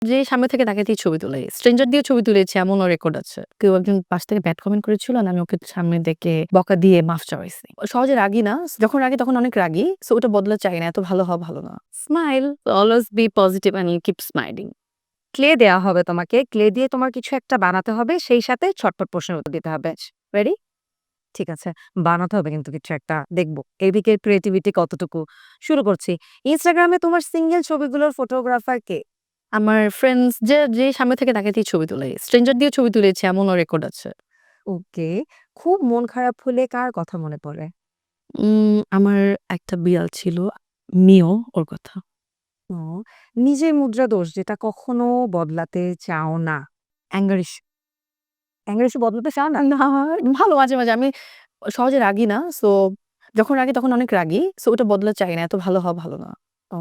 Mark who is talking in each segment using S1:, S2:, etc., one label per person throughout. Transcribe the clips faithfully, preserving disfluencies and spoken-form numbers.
S1: যে সামনে থেকে তাকে দিয়ে ছবি তুলে। স্ট্রেঞ্জার দিয়ে ছবি তুলেছি এমনও রেকর্ড আছে। কেউ একজন পাশ থেকে ব্যাড কমেন্ট করেছিল আর আমি ওকে সামনে দেখে বকা দিয়ে মাফ চাওয়াইছি। সহজে রাগি না। যখন রাগি তখন অনেক রাগি। সো ওটা বদলা চাই না। এত ভালো হওয়া ভালো না। Smile, always be positive and keep smiling.
S2: ক্লে দেয়া হবে তোমাকে। ক্লে দিয়ে তোমার কিছু একটা বানাতে হবে। সেই সাথে ছটফট প্রশ্নের উত্তর দিতে হবে। রেডি? ঠিক আছে। বানাতে হবে কিন্তু কিছু একটা। দেখব এদিকের ক্রিয়েটিভিটি কতটুকু। শুরু করছি। Instagram এ তোমার সিঙ্গেল ছবিগুলোর ফটোগ্রাফার কে?
S1: আমার ফ্রেন্ডস যে, যে সামনে থেকে তাকে দিয়ে ছবি তুলে। স্ট্রেঞ্জার দিয়ে ছবি তুলেছি এমনও রেকর্ড আছে।
S2: ওকে। খুব মন খারাপ হলে কার কথা মনে পড়ে?
S1: উম আমার একটা বিড়াল ছিল। মিও ওর কথা।
S2: ও নিজের মুদ্রা দোষ যেটা কখনো বদলাতে চাও না। Anger issue. অ্যাঙ্গার ইস্যু বদলাতে চাও না?
S1: না, ভালো মাঝে, মাঝে আমি সহজে রাগি না। সো যখন রাগি তখন অনেক রাগি। সো ওটা বদলা চাই না। এত ভালো হওয়া ভালো না।
S2: ও!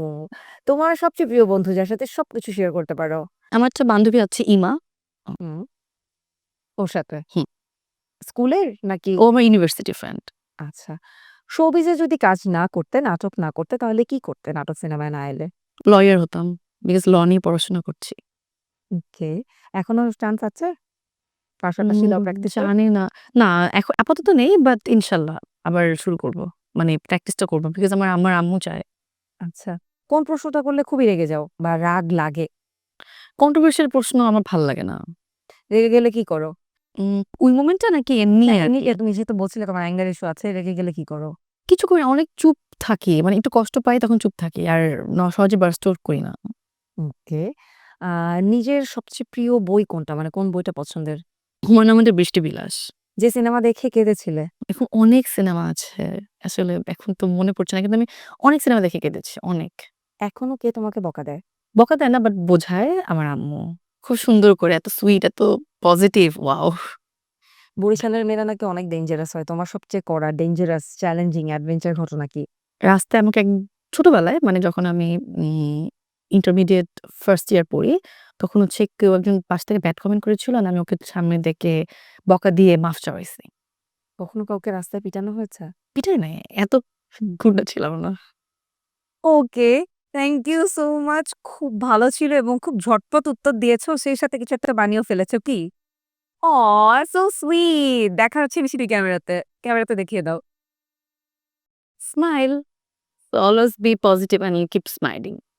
S2: তোমার সবচেয়ে প্রিয় বন্ধু যার সাথে সবকিছু শেয়ার করতে পারো?
S1: আমার একটা বান্ধবী আছে ইমা। অ
S2: হুম। ওর সাথে?
S1: হুম।
S2: স্কুলের নাকি?
S1: ও আমার ইউনিভার্সিটি ফ্রেন্ড।
S2: আচ্ছা। শোবিজে যদি কাজ না করতে, নাটক না করতে তাহলে কি করতে নাটক সিনেমায় না এলে?
S1: লয়ার হতাম। বিকজ ল নিয়ে পড়াশোনা করছি।
S2: ওকে। এখনো চান্স আছে? পাশাপাশি ল
S1: উম
S2: প্র্যাকটিসের?
S1: জানি না। না এখ আপাতত নেই বাট ইনশাল্লাহ আবার শুরু করব। মানে প্র্যাকটিসটা করব। বিকজ আমার আমার আম্মু চায়।
S2: আচ্ছা। কোন প্রশ্নটা করলে খুবই রেগে যাও বা রাগ লাগে?
S1: কন্ট্রোভার্সিয়াল প্রশ্ন আমার ভাল লাগে না।
S2: রেগে গেলে কি করো?
S1: উম ওই মোমেন্টটা নাকি এমনি
S2: না
S1: আরকি?
S2: এমনিতে তুমি যেহেতু বলছিলে তোমার অ্যাঙ্গার ইস্যু আছে, রেগে গেলে কি করো?
S1: কিছু করি না, অনেক চুপ থাকি। মানে একটু কষ্ট পাই তখন চুপ থাকি। আর ন সহজে বার্স্ট আউট করি না।
S2: ওকে। আ নিজের সবচেয়ে প্রিয় বই কোনটা? মানে কোন বইটা পছন্দের?
S1: হুমায়ূন আহমেদের 'বৃষ্টি বিলাস'।
S2: যে সিনেমা দেখে কেঁদেছিলে?
S1: এখন অনেক সিনেমা আছে। আসলে এখন তো মনে পড়ছে না। কিন্তু আমি অনেক সিনেমা দেখে কেঁদেছি, অনেক।
S2: এখনো কে তোমাকে বকা দেয়?
S1: বকা দেয় না বাট বোঝায় আমার আম্মু। খুব সুন্দর করে এত সুইট, এত পজিটিভ, ওয়াও!
S2: বরিশালের মেয়েরা নাকি অনেক ডেঞ্জারাস হয়। তোমার সবচেয়ে কড়া ডেঞ্জারাস চ্যালেঞ্জিং অ্যাডভেঞ্চার ঘটনা কি?
S1: রাস্তায় আমাকে এক ছোটবেলায় মানে যখন আমি উম ইন্টারমিডিয়েট ফার্স্ট ইয়ার পড়ি, তখন হচ্ছে কেউ একজন পাশ থেকে ব্যাড কমেন্ট করেছিল আর আমি ওকে সামনে দেখে বকা দিয়ে মাফ চাওয়াইছি।
S2: কখনো কাউকে রাস্তায় পিটানো হয়েছে?
S1: পিটাই নাই, এত গুন্ডা ছিলাম না।
S2: Okay. Thank you so much. খুব ভালো ছিল এবং খুব ঝটপট উত্তর দিয়েছো। সেই সাথে কিছু একটা বানিয়েও ফেলেছো কি? অহ! So sweet. দেখা হচ্ছে মিষ্টি ক্যামেরাতে। ক্যামেরাতে দেখিয়ে দাও।
S1: Smile, always be positive and keep smiling.